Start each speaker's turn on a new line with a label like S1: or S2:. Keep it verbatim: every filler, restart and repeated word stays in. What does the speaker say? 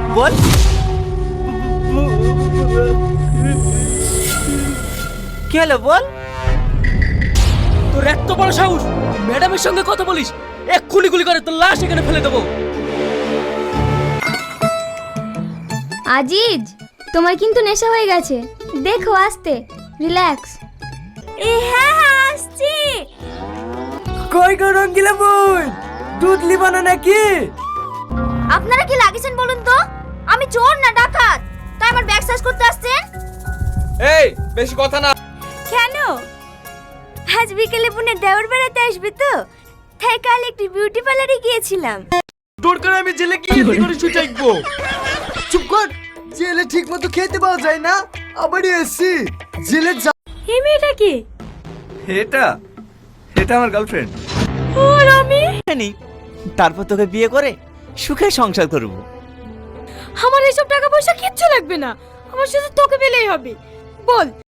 S1: বল। কি হলো বল?
S2: তোর এত বড় সাহস, ম্যাডামের সঙ্গে কথা বলিস? এক গুলি গুলি করে তোর লাশ এখানে ফেলে দেবো।
S3: আজিজ, তোমার কিন্তু নেশা হয়ে গেছে, দেখো আস্তে, রিল্যাক্স। এ হ্যাঁ হ্যাঁ আসছি।
S1: কই গো রঙ্গিলা বোন, দুধ লিবানা নাকি?
S3: আপনারা কি লাগিয়েছেন বলুন তো? আমি চোর না ডাকাত, তাই আমার ব্যাগ সার্চ করতে আসছেন?
S4: এই বেশি কথা না।
S3: কেন? আজ বিকেলে বোনের দেওর বেড়াতে আসবে তো, তাই কাল একটি বিউটি পার্লারে গিয়েছিলাম।
S4: দরকার আমি জেলে গিয়ে কি করে শুয়ে থাকবো?
S1: চুপ কর, জেলে ঠিক মতো খেতে পাওয়া যায় না, আবারই এসছি জেলে যা।
S3: এই মেয়েটা কি?
S4: এটা এটা আমার গার্লফ্রেন্ড।
S3: ও আমি
S1: জানি, তারপর তোকে বিয়ে করে সুখে সংসার করব।
S3: আমার এসব টাকা পয়সা কিচ্ছু লাগবে না, আমার শুধু তোকে পেলেই হবে। বল